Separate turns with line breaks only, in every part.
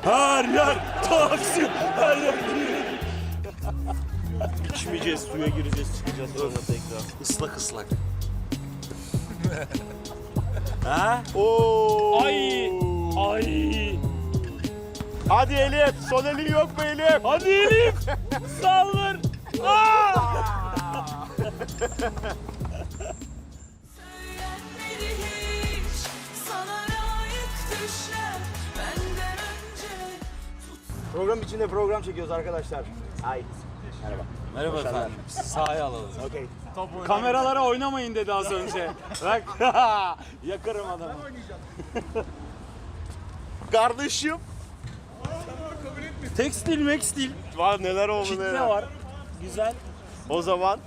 Her yer Taksim, her yer. İçmeyeceğiz, suya gireceğiz, çıkacağız sonra tekrar.
Islak ıslak.
Ha? Oo.
Ay! Ay!
Hadi Elif, son elin yok mu Elif?
Hadi Elif! Saldır!
Söylenmedi hiç sana layık düşler benden önce.
Program içinde program çekiyoruz arkadaşlar. Ay. Merhaba.
Merhaba efendim. Sahaya alalım.
Okey.
Kameralara oynamayın dedi az önce. Bak yakarım adamı.
Kardeşim.
Tekstil mekstil.
Var neler oldu
Kitle
neler.
var. Güzel.
O zaman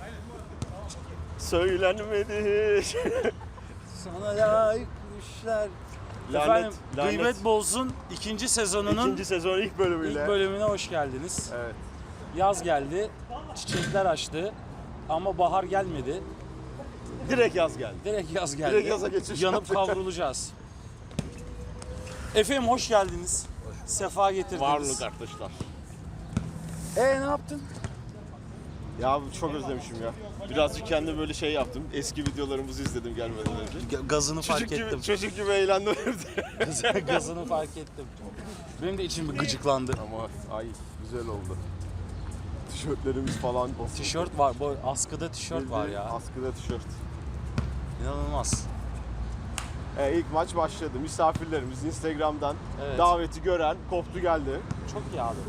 söylenmedi.
Sana layık düşler.
Lanet,
Efendim
lanet.
Gıybet Bolsun ikinci sezonunun
İkinci sezon ilk bölümüyle.
ilk bölümüne hoş geldiniz.
Evet.
Yaz geldi, çiçekler açtı ama bahar gelmedi.
Direkt yaz geldi.
Direkt yaz geldi.
Direkt yaza geçiş
Yanıp
yaptık.
kavrulacağız. Efendim hoş geldiniz. Sefa getirdiniz.
Varlık arkadaşlar.
Ne yaptın?
Ya çok özlemişim ya. Birazcık kendi böyle şey yaptım. Eski videolarımızı izledim gelmeden önce.
Gazını fark ettim.
Çocuk gibi eğlendim evde.
Gazını fark ettim. Benim de içim bir gıcıklandı.
Ama ay güzel oldu. Tişörtlerimiz falan basıldı.
Tişört var, bu askıda tişört var ya.
Askıda tişört.
İnanılmaz.
İlk maç başladı. Misafirlerimiz Instagram'dan
Evet.
daveti gören koptu geldi.
Çok iyi abi.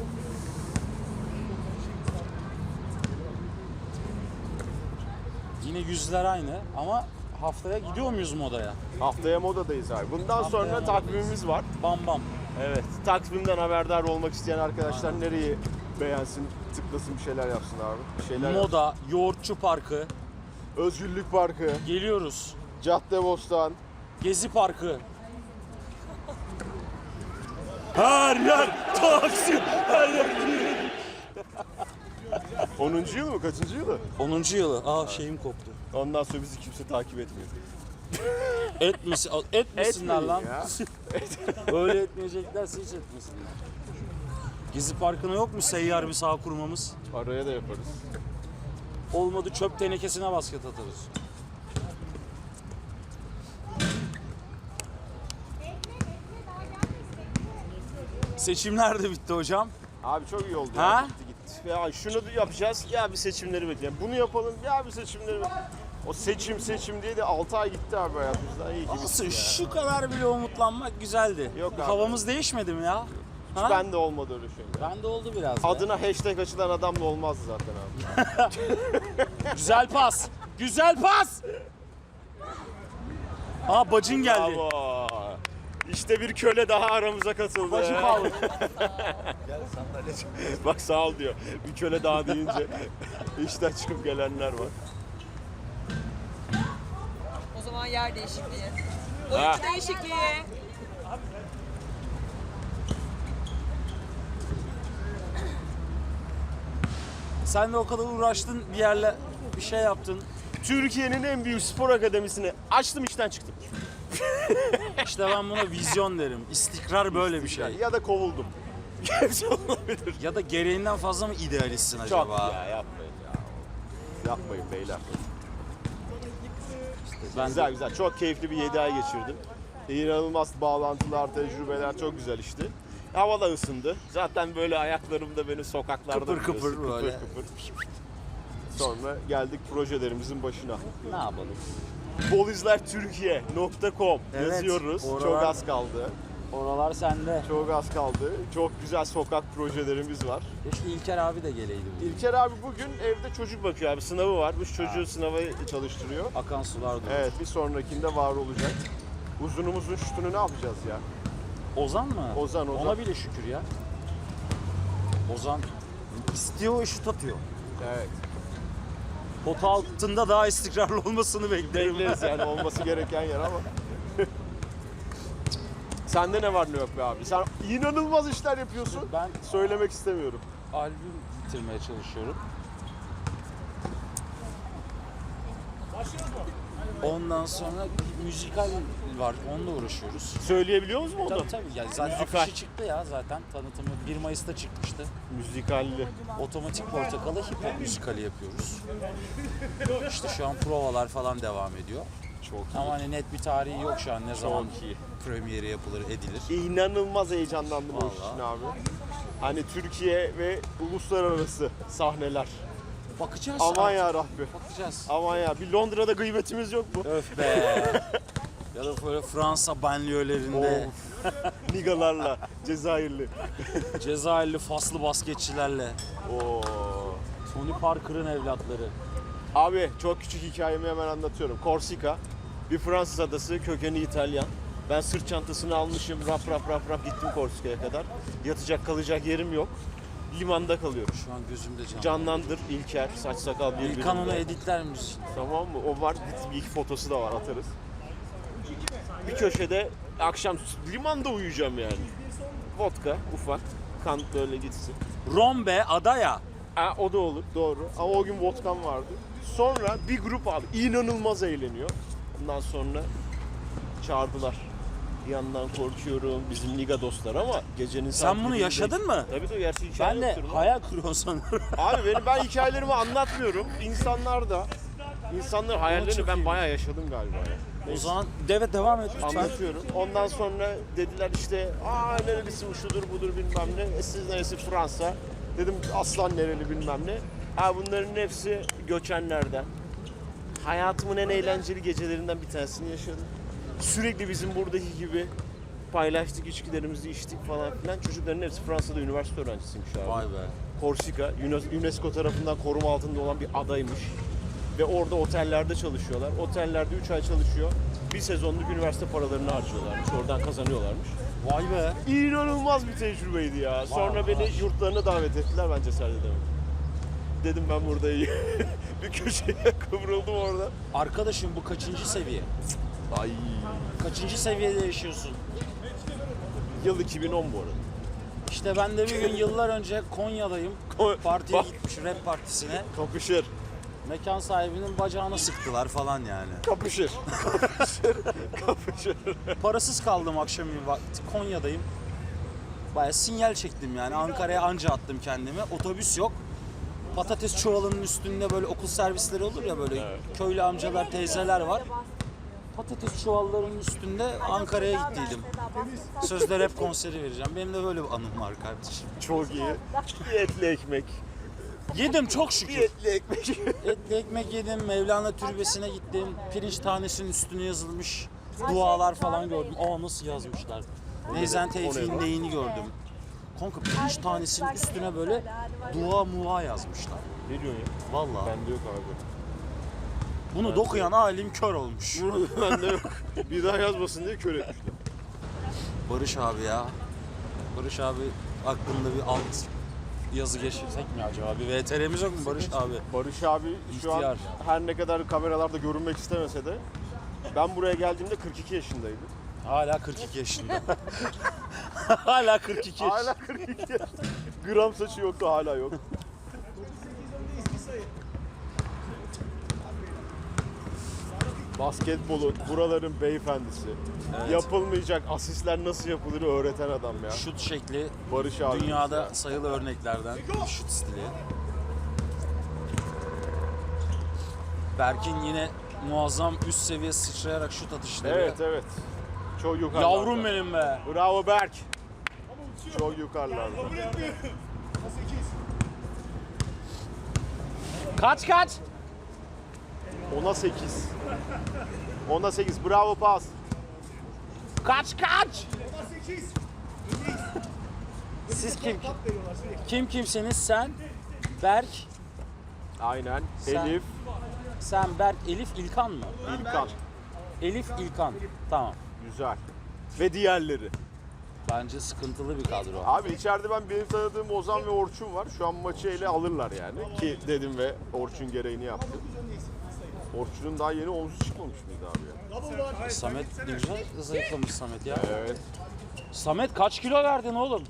Yine yüzler aynı ama haftaya gidiyor muyuz modaya?
Haftaya modadayız abi. Bundan
Haftaya
sonra
modadayız.
takvimimiz var.
Bam bam.
Evet. Takvimden haberdar olmak isteyen arkadaşlar nereyi beğensin, tıklasın bir şeyler yapsın abi. Bir şeyler yapsın.
Moda, Yoğurtçu Parkı,
Özgürlük Parkı,
geliyoruz.
Caddebostan.
Gezi Parkı.
Her yer Taksim, her yer. 10. yıl mı? Kaçıncı yılı?
10. yılı. Şeyim koptu.
Ondan sonra bizi kimse takip etmiyor.
Etmesinler
Etmeyin
lan.
ya.
Öyle etmeyeceklerse hiç etmesinler. Gezi Parkı'na yok mu seyyar bir sağ kurmamız?
Araya da yaparız.
Olmadı çöp tenekesine basket atarız. Seçimler de bitti hocam.
Abi çok iyi oldu
Ha?
ya. Gitti gitti. Ya şunu da yapacağız. Ya bir seçimleri bekleyelim. Bunu yapalım. Ya bir seçimleri bekleyelim. O seçim diye de 6 ay gitti abi hayatımızdan. İyi ki bitti
Nasıl
ya.
şu kadar bile umutlanmak güzeldi.
Yok abi.
Havamız değişmedi mi ya? Ha?
Ben de olmadı öyle şey.
Ben de oldu biraz. be.
Adına hashtag açılan adamla olmazdı zaten abi.
Güzel pas. Güzel pas. Bacın geldi.
Bravo. İşte bir köle daha aramıza katıldı.
Bacı kaldı.
Bak sağ ol diyor. Bir köle daha deyince işten çıkıp gelenler var.
O zaman yer değişikliği.
Ha.
Oyuncu değişikliği.
Sen de o kadar uğraştın bir yerle bir şey yaptın.
Türkiye'nin en büyük spor akademisini açtım, işten çıktım.
İşte ben buna vizyon derim. İstikrar böyle bir şey.
Ya da kovuldum. Hepsi olabilir.
Ya da gereğinden fazla mı idealistsin acaba?
Çok ya, yapmayın ya. Yapmayın beyler.
Ben
Güzel
de
güzel. Çok keyifli bir 7 ay geçirdim. İnanılmaz bağlantılar, tecrübeler çok güzel işte. Hava da ısındı. Zaten böyle ayaklarım da benim sokaklarda
Kıpır kıpır
biliyorsun,
böyle.
kıpır. Sonra geldik projelerimizin başına.
ne yapalım?
Bolizlertürkiye.com
Evet,
yazıyoruz.
oralar-
Çok az kaldı.
Oralar sende.
Çok az kaldı. Çok güzel sokak projelerimiz var.
Keşke İlker abi de geleydi. bugün.
İlker abi bugün evde çocuk bakıyor abi. Sınavı var. Bu çocuğu sınava çalıştırıyor.
Akan sular durur.
Evet, bir sonrakinde var olacak. Uzunumuzun şutunu ne yapacağız ya?
Ozan mı?
Ozan.
Ona bile şükür ya. Ozan istiyor, şut atıyor.
Evet.
Pota altında daha istikrarlı olmasını beklerim.
Bekleriz yani olması gereken yer ama. Sende ne var ne yok be abi? Sen inanılmaz işler yapıyorsun.
Ben
Söylemek istemiyorum.
albüm bitirmeye çalışıyorum. Ondan sonra müzikal var. Onunla uğraşıyoruz.
Söyleyebiliyor musun onu?
Tabii. Yani zaten
Müzikal.
afişi çıktı ya zaten. Tanıtımı 1 Mayıs'ta çıkmıştı.
Müzikalli.
Otomatik Portakal'ı hip hop müzikali yapıyoruz. İşte şu an provalar falan devam ediyor.
Çok iyi.
Ama hani net bir tarihi yok şu an ne zaman
iyi.
premieri yapılır, edilir.
İnanılmaz heyecanlandım o iş
Vallahi.
için abi. Hani Türkiye ve uluslararası sahneler.
Bakacağız.
Aman
artık.
ya Rabbi.
Bakacağız.
Aman ya. Bir Londra'da gıybetimiz yok mu?
Öf be. Ya da böyle Fransa banliyölerinde
Nigalarla, Cezayirli.
Cezayirli Faslı basketçilerle
Oo.
Tony Parker'ın evlatları.
Abi çok küçük hikayemi hemen anlatıyorum. Korsika, bir Fransız adası, kökeni İtalyan. Ben sırt çantasını almışım, rap gittim Korsika'ya kadar. Yatacak kalacak yerim yok. Limanda kalıyorum.
Şu an gözümde canlı.
Canlandır İlker, saç sakal birbirinde.
İlkan onu editler misin?
Tamam mı? O var, bir iki fotosu da var, atarız. Bir köşede akşam limanda uyuyacağım yani. Vodka, ufak, kan böyle gitsin.
Rombe adaya.
Ha, o da olur, doğru. Ama o gün vodkam vardı. Sonra bir grup abi inanılmaz eğleniyor. Ondan sonra çağırdılar. Bir yandan korkuyorum, bizim liga dostlar ama gecenin
Sen bunu
saatlerinde-
yaşadın mı?
Tabii tabii, gerçi hikaye
Ben de
yoktur lan.
hayal kuruyorum sanırım.
Abi ben hikayelerimi anlatmıyorum. İnsanlar hayallerini
çok
ben
iyi.
bayağı yaşadım galiba ya.
O zaman devam et lütfen.
Anlatıyorum. Ondan sonra dediler işte nerelisin şudur budur bilmem ne. Siz neresi Fransa. Dedim aslan nereli bilmem ne. Bunların hepsi göçenlerden. Hayatımın en eğlenceli gecelerinden bir tanesini yaşadım. Sürekli bizim buradaki gibi paylaştık, içkilerimizi içtik falan filan. Çocukların hepsi Fransa'da üniversite öğrencisiymiş abi.
Vay be.
Korsika, UNESCO tarafından koruma altında olan bir adaymış. Ve orada otellerde çalışıyorlar. Otellerde 3 ay çalışıyor. Bir sezonluk üniversite paralarını harcıyorlarmış. Oradan kazanıyorlarmış.
Vay be.
İnanılmaz bir tecrübeydi ya. Sonra beni yurtlarına davet ettiler. Ben cesaret edemedim. Dedim ben burada iyi. Bir köşeye kıvrıldım orada.
Arkadaşım bu kaçıncı seviye?
Ay.
Kaçıncı seviyede yaşıyorsun?
Yıl 2010 bu arada.
İşte ben de bir gün yıllar önce Konya'dayım. Partiye
Bak.
gitmiş, rap partisine.
Kapışır.
Mekan sahibinin bacağını sıktılar falan yani.
Kapışır. Kapışır.
Parasız kaldım akşamüstü vakti. Konya'dayım. Bayağı sinyal çektim yani. Ankara'ya anca attım kendimi. Otobüs yok. Patates çuvalının üstünde böyle okul servisleri olur ya böyle köylü amcalar, teyzeler var. Patates çuvallarının üstünde Ankara'ya gittiydim. Sözde rap konseri vereceğim. Benim de böyle bir anım var kardeşim.
Çok iyi. Bir etli ekmek.
Yedim çok
Bir
şükür.
etli ekmek.
Etli ekmek yedim, Mevlana Türbesi'ne gittim. Pirinç tanesinin üstüne yazılmış dualar falan gördüm. Aa nasıl yazmışlar. Neyzen Tevfik'in neyini gördüm. Kanka pirinç tanesinin üstüne böyle dua mua yazmışlar.
Ne diyorsun ya?
Vallahi.
Bende yok abi.
Bunu dokuyan alim kör olmuş.
Bende yok. Bir daha yazmasın diye kör etmişler.
Barış abi ya. Barış abi aklında bir alt yazı geçirsek mi acaba? Bir VTR'miz yok mu Barış abi?
Barış abi şu an
İhtiyar.
her ne kadar kameralarda görünmek istemese de ben buraya geldiğimde 42 yaşındaydı.
Hala 42 yaşında. Hala 42 yaşında.
Hala 42. Gram saçı yoktu, hala yok. Basketbolu, buraların beyefendisi.
Evet.
Yapılmayacak asistler nasıl yapılır öğreten adam ya.
Şut şekli
Barış abi.
dünyada sayılı örneklerden şut stili. Berk'in yine muazzam üst seviye sıçrayarak şut atışları.
Evet. Çok yukarılarda.
Yavrum benim be.
Bravo Berk. Çok yukarılarda.
Kaç.
10'a 8. 10'a 8. Bravo pas.
Kaç. Siz kimsiniz? Sen, Berk,
Aynen.
Sen-
Elif,
sen Berk, Elif, İlkan mı?
İlkan.
Elif, İlkan. Tamam.
Güzel. Ve diğerleri.
Bence sıkıntılı bir kadro.
Abi içeride benim tanıdığım Ozan ve Orçun var. Şu an maçı ele alırlar yani. Ki dedim ve Orçun gereğini yaptı. Orçun'un daha yeni omzu çıkmamış mıydı abi ya?
Samet ne güzel zayıflamış Samet ya.
Evet.
Samet kaç kilo verdin oğlum?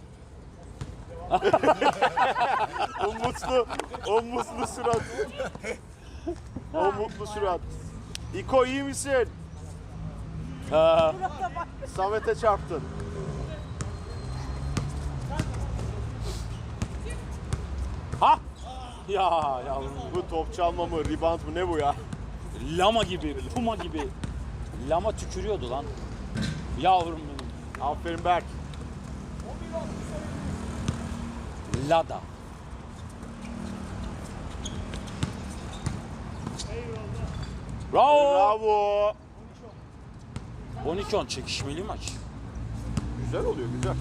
O mutlu surat. O mutlu surat. İko iyi misin?
Ha.
Samet'e çarptın.
Ha! Ya yavrum.
Bu top çalma mı, rebound mı ne bu ya?
Lama gibi, puma gibi. Lama tükürüyordu lan. Yavrum benim.
Aferin Berk.
Lada. Bravo.
Bravo.
12-10 çekişmeli maç.
Güzel oluyor, güzel.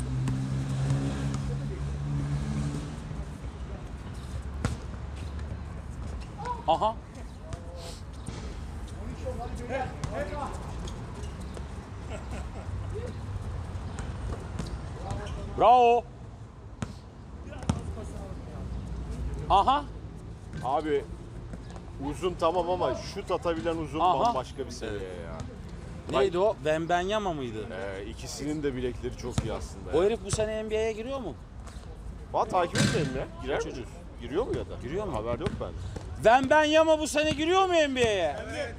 Aha. Bravo. Aha.
Abi uzun tamam ama şut atabilen uzun
Aha.
bambaşka bir seviye ya.
Neydi o? Wembanyama mıydı?
İkisinin de bilekleri çok iyi aslında.
O herif bu sene NBA'ye giriyor mu?
Valla takip etmedim ya. Girer mi? Giriyor mu ya da?
Giriyor mu?
Haber yok bende.
Wembanyama bu sene giriyor mu NBA'ye?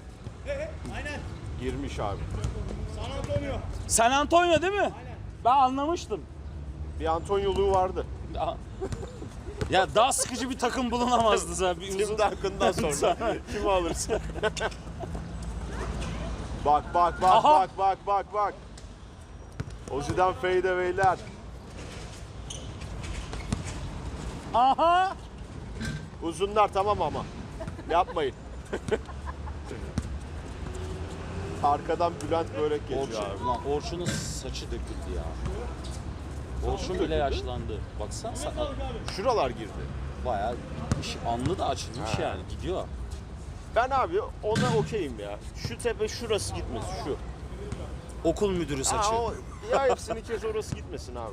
Girmiş abi.
San Antonio değil mi? Ben anlamıştım.
Bir Antonyoluğu vardı.
Ya daha sıkıcı bir takım bulunamazdı zaten. Bir
Tim
uzun...
Duncan'dan sonra kimi alırsın? Bak
Aha.
bak. Ozi'den fadeaway'ler.
Aha.
Uzunlar tamam ama. Yapmayın. Arkadan Bülent Börek geçiyor abi.
Orçun, ulan Orçun'un saçı döküldü ya. Orçun bile
döküldü?
yaşlandı. Baksana
Şuralar girdi.
bayağı gitmiş. Alnı da açılmış
Ha.
yani. Gidiyor.
Ben abi ona okeyim ya. Şu tepe şurası gitmesin şu.
Okul müdürü saçı.
Ya hepsini kes orası gitmesin abi.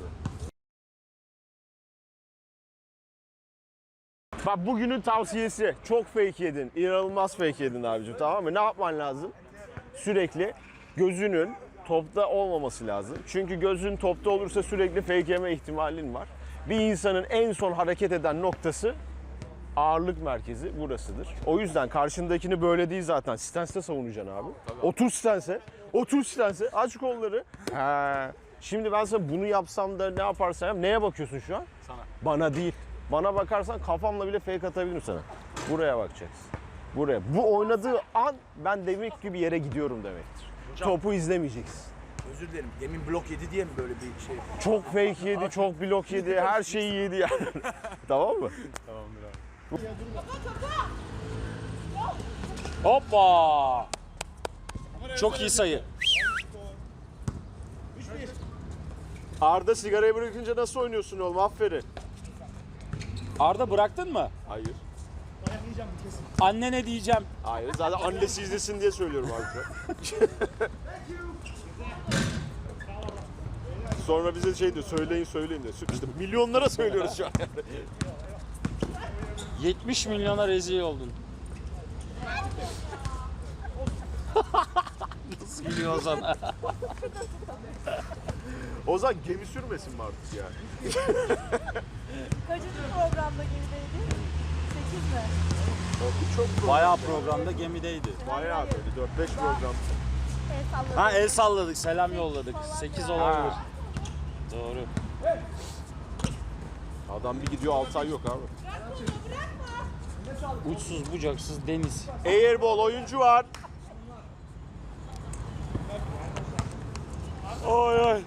Bak bugünün tavsiyesi çok fake yedin. İnanılmaz fake yedin abicim, tamam mı? Ne yapman lazım? Sürekli gözünün topta olmaması lazım. Çünkü gözün topta olursa sürekli fake yeme ihtimalin var. Bir insanın en son hareket eden noktası ağırlık merkezi burasıdır. O yüzden karşındakini böyle değil zaten. Stance'de savunacaksın abi. Otur stance'e. Otur stance'e. Aç kolları. He. Şimdi ben sana bunu yapsam da ne yaparsam yap. Neye bakıyorsun şu an?
Sana.
Bana değil. Bana bakarsan kafamla bile fake atabilirim sana. Buraya bakacaksın. Buraya. Bu oynadığı an ben demek ki bir yere gidiyorum demektir. Topu izlemeyeceksin.
Özür dilerim. Demin blok yedi diye mi böyle bir şey?
Çok fake yedi, çok blok yedi, her şeyi yedi yani. Tamam mı?
Hoppa. Çok iyi sayı.
Arda sigarayı bırakınca nasıl oynuyorsun oğlum? Aferin.
Arda bıraktın mı?
Hayır.
Annene diyeceğim.
Hayır. Zaten annesi izlesin diye söylüyorum abi. Sonra bize şey diyor, söyleyin diyor. İşte milyonlara söylüyoruz şu an.
70 milyona rezil oldun. Nasıl gülüyor Ozan?
Ozan gemi sürmesin mi artık ya?
Kaçıncı programda gerideydi? 8 mi?
Çok
Bayağı programda gemideydi.
bayağı böyle 4-5 program.
El salladı.
Ha el salladık, selam yolladık. 8 olabilir. Doğru.
Adam bir gidiyor 6 ay yok abi.
Uçsuz bucaksız deniz.
Airball oyuncu var. Oy oy.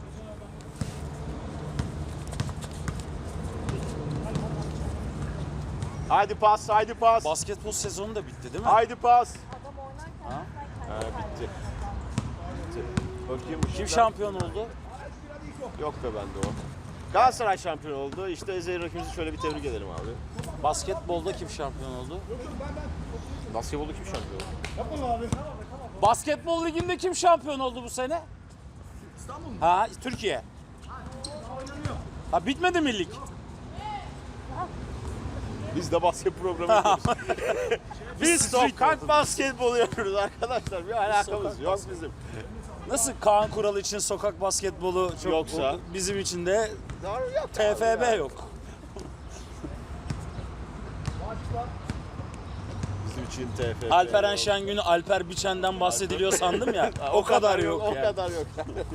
Haydi pas, haydi pas.
Basketbol sezonu da bitti değil mi?
Haydi pas.
Adam oynarken
Ha?
Ha, bitti. Bitti. Bakayım
Kim
ışıklar-
şampiyon oldu?
Yok be bende o. Galatasaray şampiyon oldu. İşte Ezeli rakibimizi şöyle bir tebrik edelim abi.
Basketbolda kim şampiyon oldu?
Basketbolda kim şampiyon oldu?
Basketbol liginde kim şampiyon oldu bu sene? İstanbul mu? Ha, Türkiye. Ha bitmedi mi lig?
Biz de basket programı yapıyoruz. Biz
street
sokak basketbolu yapıyoruz arkadaşlar. Bir alakamız yok bizim.
Nasıl Kaan Kural için sokak basketbolu çok
Yoksa?
bizim için de
Yok
TFB yok.
Bizim için TFF.
Alperen
yok.
Şengün'ü Alper Biçen'den bahsediliyor sandım ya. O kadar yok
O
yani.
kadar yok.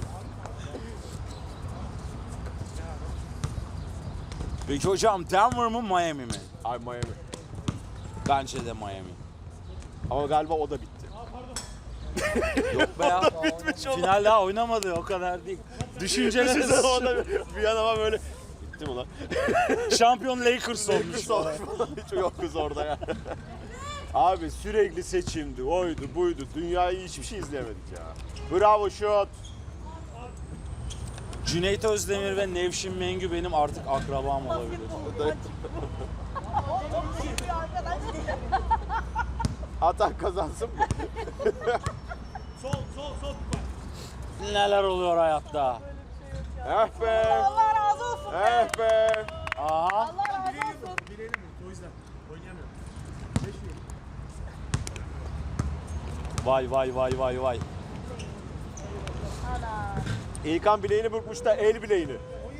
Peki hocam Denver mı Miami mi?
Ay Miami.
Bence de Miami.
Ama galiba o da bitti.
Yok be ya. Final daha oynamadı o kadar değil. Düşünceler
O da bir an ama böyle bitti mi lan?
şampiyon Lakers olmuş.
Kız olmuş falan. Hiç yok kız orada ya. Abi sürekli seçimdi, oydu, buydu. Dünyayı hiçbir şey izlemedik ya. Bravo şut.
Cüneyt Özdemir ve Nevşin Mengü benim artık akrabam olabilir.
Atak kazansın mı?
Neler oluyor hayatta?
Eh be.
Allah razı olsun.
Eh be.
Aha.
Allah razı olsun.
Vay vay vay vay vay.
Ana.
İlkan bileğini burkmuş da el bileğini.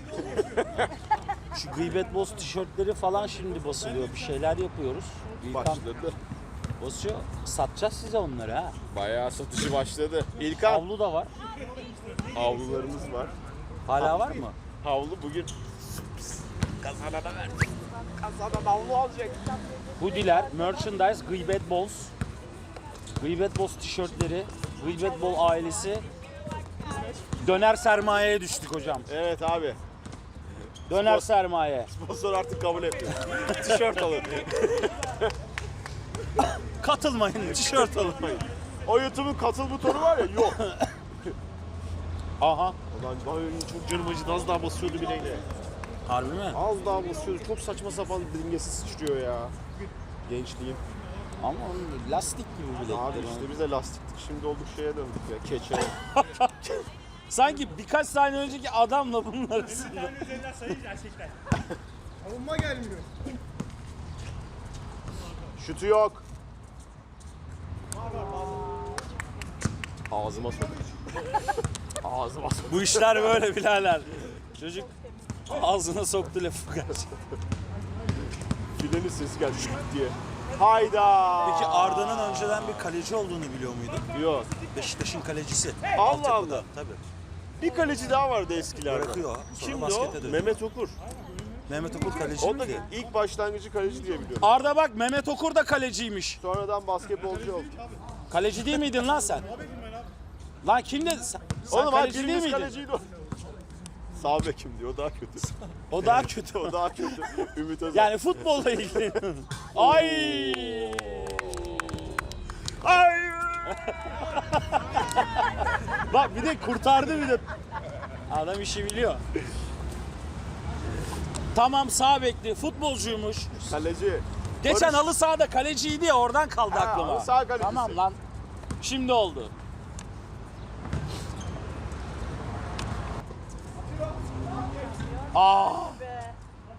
Şu Gıybet Boz tişörtleri falan şimdi basılıyor. Bir şeyler yapıyoruz. İlkan
Başladı.
basıyor. Satacağız size onları ha.
Bayağı satışı başladı. İlkan
Havlu da var.
havlularımız var.
Hala var mı?
Havlu bugün kazanana verdik. Kazanan havlu alacak.
Hoodiler, merchandise, Gıybet Boz. Gıybet Boz tişörtleri, Gıybet Bol ailesi. Döner sermayeye düştük hocam.
Evet abi.
Döner sermaye.
Sponsor artık kabul etmiyor. Tişört alın.
Katılmayın, tişört alın.
O YouTube'un katıl butonu var ya yok.
Aha.
Ulan ben çok canım acıdı, az daha basıyordu bileğine.
Harbi mi?
Az daha basıyordu. Çok saçma sapan dingesi sıçrıyor ya. Gençliğim.
Ama onun lastik gibi bilekler.
Abi işte biz de lastiktik. Şimdi olduk şeye döndük ya. Keçe.
Sanki birkaç saniye önceki adamla bunun arasında.
Savunma gelmiyor.
Şutu yok. Ağzıma sok. Ağzıma sok.
Bu işler böyle birader. Çocuk ağzına soktu lafı gerçekten.
Filenin sesi geldi şut diye. Hayda.
Peki Arda'nın önceden bir kaleci olduğunu biliyor muydun?
Yok.
Beşiktaş'ın kalecisi.
Allah
Altyapıda,
Allah.
Tabii.
Bir kaleci daha vardı eskilerde.
Bırakıyor. Sonra
Kimdi
baskete
o?
dönüyor.
Mehmet Okur.
Mehmet Okur kaleci
O da
miydi?
ilk başlangıcı kaleci diye biliyorum.
Arda bak Mehmet Okur da kaleciymiş.
Sonradan basketbolcu oldu.
Kaleci değil miydin lan sen? Lan kim dedi? Sen
Oğlum
kaleci değil
birimiz
miydin?
kaleciydi o. Sağ bekim diyor, o daha kötü.
O daha kötü.
O daha kötü. Ümit Özdağ.
Yani futbolla ilgili. Ay!
Ay!
Bak bir de kurtardı bir de. Adam işi biliyor. Tamam sağ bekli futbolcuymuş.
Kaleci.
Geçen
Barış.
halı sahada kaleciydi ya oradan kaldı
Ha,
aklıma.
halı saha kalecisi.
Tamam lan. Şimdi oldu. Aa!
Be.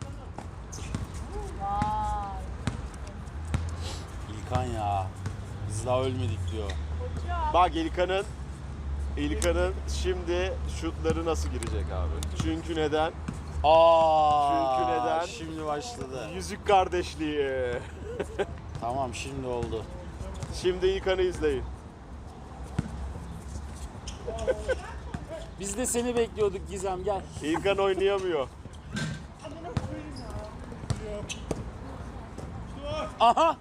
İlkan ya. Biz daha ölmedik diyor.
Bak İlkan'ın şimdi şutları nasıl girecek abi? Çünkü neden?
Aa!
Çünkü neden?
Şimdi başladı.
Yüzük kardeşliği.
Tamam şimdi oldu.
Şimdi İlkan'ı izleyin.
Biz de seni bekliyorduk Gizem gel.
İlkan oynayamıyor.
Aha!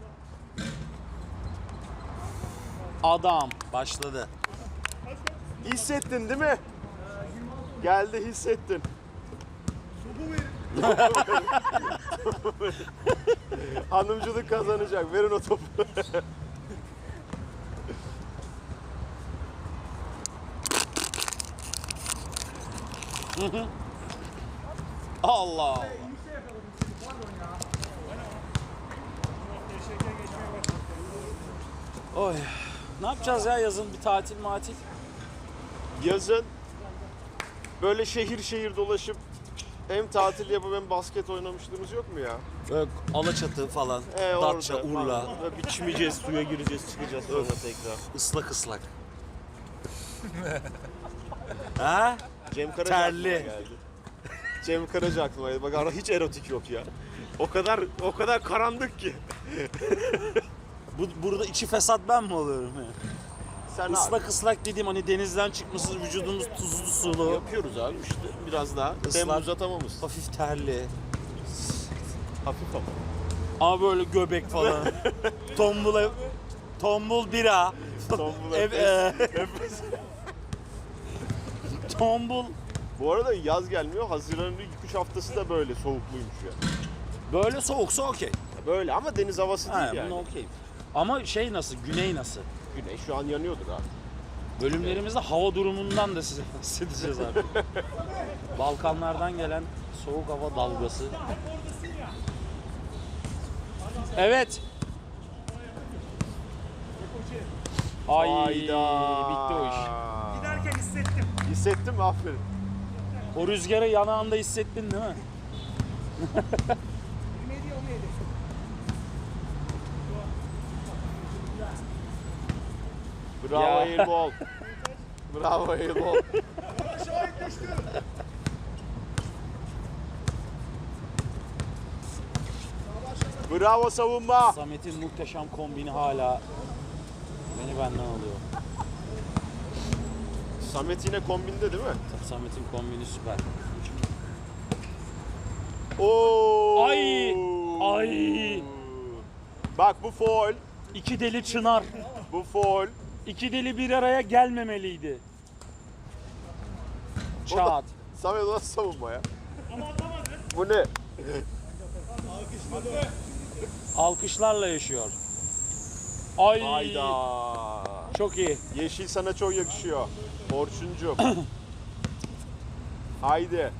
Adam başladı.
Hissettin değil mi? Geldi, hissettin. Hanımcılık kazanacak. Verin o topu.
Allah Allah. Oy. Ne yapacağız ya yazın bir tatil matil?
Yazın böyle şehir şehir dolaşıp hem tatil yapıp hem basket oynamışlığımız yok mu ya?
Böyle Alaçatı falan, Datça,
orada
Urla,
falan. Böyle bir çimeceğiz, suya gireceğiz, çıkacağız sonra tekrar.
ıslak ıslak. Ha?
Cem Karaca
Terli.
aklıma geldi. Cem Karaca aklıma geldi. Bak ara hiç erotik yok ya. O kadar karanlık ki.
Burada içi fesat ben mi oluyorum ya?
Sen
Islak ıslak dediğim hani denizden çıkmışız, vücudumuz tuzlu sulu.
yapıyoruz abi işte biraz daha.
Islak.
Temmuz atamamız.
Hafif terli.
Hafif ama.
Ama böyle göbek falan. Tombul bira.
Tombul
Ev- Tombul.
Bu arada yaz gelmiyor. Haziran'ın ilk 3 haftası da böyle soğukluymuş ya.
Böyle soğuksa okey.
Böyle ama deniz havası değil
Ha,
yani.
bunu okey. Ama şey nasıl, güney nasıl?
Güneş şu an yanıyordur abi.
Bölümlerimizde hava durumundan da size bahsedeceğiz artık. Balkanlardan gelen soğuk hava dalgası. Evet. Ay bitti o iş.
Giderken hissettim.
Hissettin mi? Aferin.
O rüzgarı yanağında hissettin değil mi?
Yedi onu yedi.
Bravo
Ya.
airball. Bravo airball. Bravo savunma.
Samet'in muhteşem kombini hala beni benden alıyor.
Samet yine kombinde değil mi?
Samet'in kombini süper.
Oo.
Ay! Ay!
Bak bu foul.
İki deli çınar.
Bu foul.
İki deli bir araya gelmemeliydi. Çat.
Samet o nasıl savunma ya? Bu ne?
Alkışlarla yaşıyor. Ay!
Hayda.
Çok iyi.
Yeşil sana çok yakışıyor. Orçuncuğum. Haydi.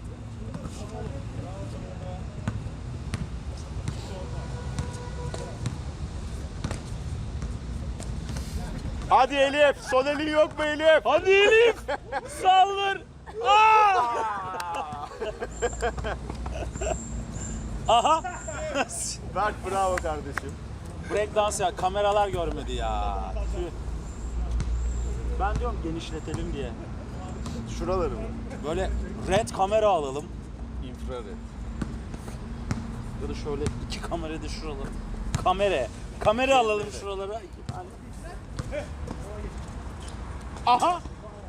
Hadi Elif. Son elin yok mu Elif?
Hadi Elif! Saldır! Aa! Aha!
Berk bravo kardeşim.
Break dans ya, kameralar görmedi ya. Tüh. Ben diyorum genişletelim diye.
Şuraları mı?
Böyle red kamera alalım.
İnfrared.
Ya da şöyle iki kamera da şuralara. Kamera alalım şuralara. İki tane. Aha!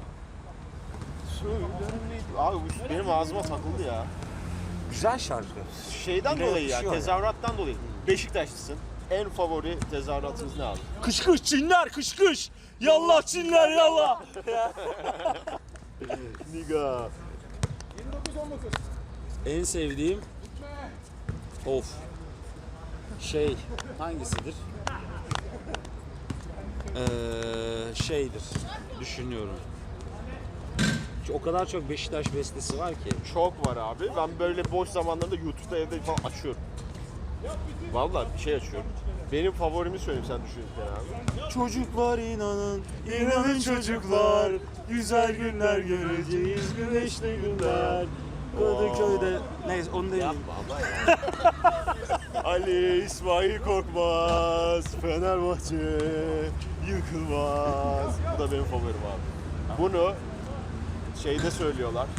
Abi bu benim ağzıma takıldı ya.
Güzel şarkı.
Şeyden
Yine
dolayı ya,
yakışıyor ya.
tezahürattan dolayı. Beşiktaşlısın. En favori tezahüratınız ne abi?
Kış kış Çinler kış kış. Yallah Çinler yallah.
Niga.
En sevdiğim of hangisidir? Şeydir. Düşünüyorum. O kadar çok Beşiktaş bestesi var ki.
Çok var abi. Ben böyle boş zamanlarında YouTube'da evde falan açıyorum. Vallahi bir şey açıyorum. Benim favorimi söyleyeyim sen düşünürken abi.
Çocuklar inanın, inanın çocuklar. Güzel günler göreceğiz, güneşli günler. Kadıköy'de... Neyse onu değil.
Yapma ama ya. Ali İsmail Korkmaz, Fenerbahçe yıkılmaz. Bu da benim favorim abi. Bunu şeyde söylüyorlar.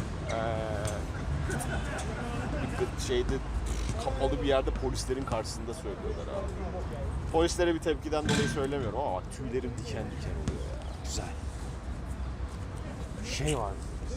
Şeyde kapalı bir yerde polislerin karşısında söylüyorlar abi. Polislere bir tepkiden dolayı söylemiyorum ama tüylerim diken diken oluyor ya.
Güzel. Şey var.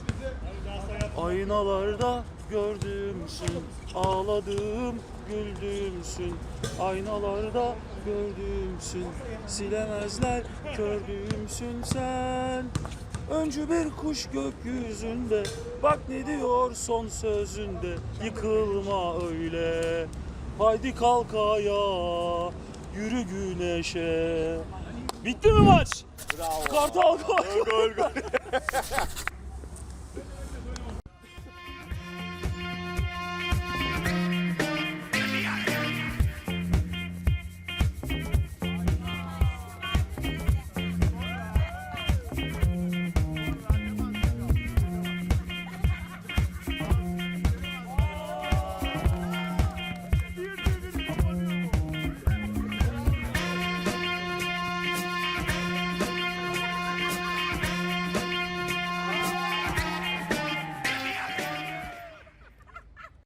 Aynalarda gördüğümsün, ağladığım güldüğümsün. Aynalarda gördüğümsün, silemezler kördüğümsün sen. Öncü bir kuş gökyüzünde, bak ne diyor son sözünde. Yıkılma öyle, haydi kalk ayağa, yürü güneşe. Bitti mi maç?
Bravo.
Kartal gol.
Gol gol.